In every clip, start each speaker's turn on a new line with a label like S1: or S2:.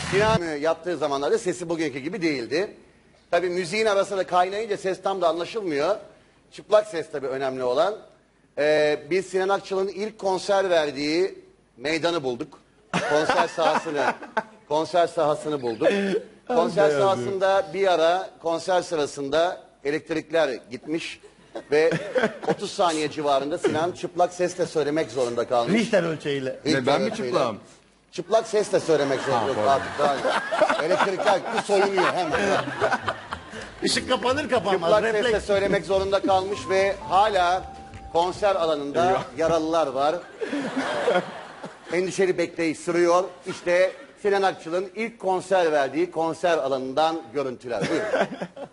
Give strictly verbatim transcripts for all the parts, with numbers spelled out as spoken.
S1: Sinan yaptığı zamanlarda sesi bugünkü gibi değildi. Tabii müziğin arasında kaynayınca ses tam da anlaşılmıyor. Çıplak ses tabii önemli olan. Ee, biz Sinan Akçıl'ın ilk konser verdiği meydanı bulduk. Konser sahasını, konser sahasını bulduk. Konser sahasında bir ara konser sırasında elektrikler gitmiş ve otuz saniye civarında Sinan çıplak sesle söylemek zorunda kalmış.
S2: Richter ölçeğiyle.
S1: Richter
S3: Ne, ben mi
S1: ölçeğiyle.
S3: çıplağım?
S1: Çıplak sesle söylemek zorunda artık. Daha elektrikler gitti, soyunuyor hemen.
S2: Işık kapanır kapanmaz.
S1: Çıplak sesle
S2: Refleks.
S1: söylemek zorunda kalmış ve hala konser alanında yaralılar var. Endişeli bekleyiş sürüyor. İşte Sinan Akçıl'ın ilk konser verdiği konser alanından görüntüler. Buyurun.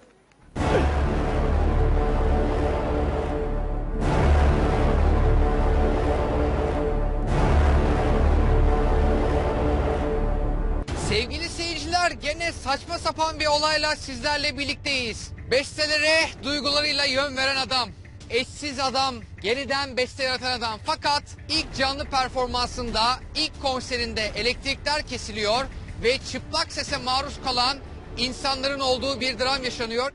S4: Sevgili seyirciler, gene saçma sapan bir olayla sizlerle birlikteyiz. Bestelere duygularıyla yön veren adam, eşsiz adam, yeniden beste yaratan adam. Fakat ilk canlı performansında, ilk konserinde elektrikler kesiliyor ve çıplak sese maruz kalan insanların olduğu bir dram yaşanıyor.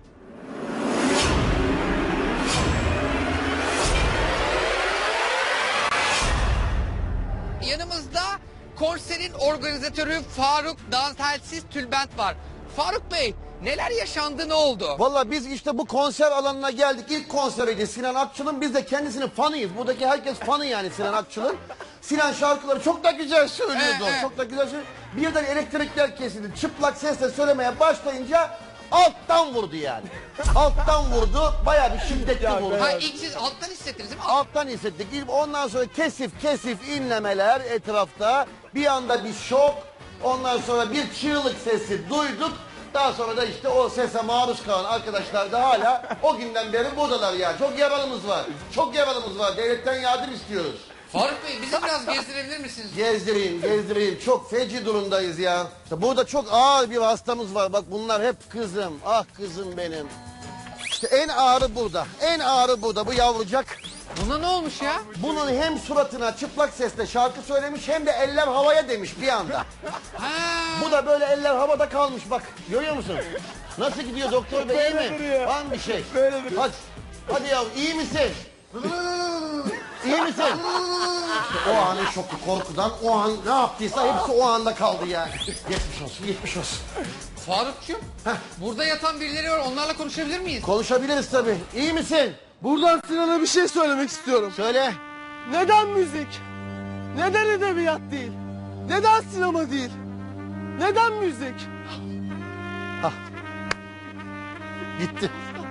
S4: Yanımızda konserin organizatörü Faruk Dantelsiz Tülbent var. Faruk Bey, neler yaşandı, ne oldu?
S1: Valla biz işte bu konser alanına geldik. İlk konseriydi Sinan Akçıl'ın. Biz de kendisinin fanıyız. Buradaki herkes fanı yani Sinan Akçıl'ın. Sinan şarkıları çok da güzel söylüyordu.
S4: Ee, e.
S1: Çok da güzel söylüyordu. Birden elektrikler kesildi. Çıplak sesle söylemeye başlayınca alttan vurdu yani. Alttan vurdu. Bayağı bir şiddetli vurdu.
S4: Ha, ilk siz alttan hissettiniz değil mi?
S1: Alttan hissettik. Ondan sonra kesif kesif inlemeler etrafta. Bir anda bir şok. Ondan sonra bir çığlık sesi duyduk. Daha sonra da işte o sese maruz kalan arkadaşlar da hala o günden beri buradalar ya. Çok yaralımız var. Çok yaralımız var. Devletten yardım istiyoruz.
S4: Faruk Bey, bizi biraz gezdirebilir misiniz?
S1: Gezdireyim, gezdireyim. Çok feci durumdayız ya. İşte burada çok ağır bir hastamız var. Bak bunlar hep kızım. Ah kızım benim. İşte en ağırı burada. En ağırı burada. Bu yavrucak.
S4: Buna ne olmuş ya?
S1: Bunun hem suratına çıplak sesle şarkı söylemiş hem de eller havaya demiş bir anda.
S4: Ha,
S1: Bu da böyle eller havada kalmış bak. Görüyor musun? Nasıl gidiyor doktor bey, iyi
S2: Böyle
S1: mi?
S2: duruyor.
S1: Var mı bir şey?
S2: Böyle duruyor.
S1: Hadi. Hadi yavrum, iyi misin? İyi misin? İşte o anın şoku, korkudan o an ne yaptıysa hepsi o anda kaldı yani. Geçmiş olsun, geçmiş olsun.
S4: Farukcuğum, burada yatan birileri var, onlarla konuşabilir miyiz?
S1: Konuşabiliriz tabii. İyi misin?
S5: Buradan Sinan'a bir şey söylemek istiyorum.
S1: Söyle.
S5: Neden müzik? Neden edebiyat değil? Neden sinema değil? Neden müzik?
S1: Gitti.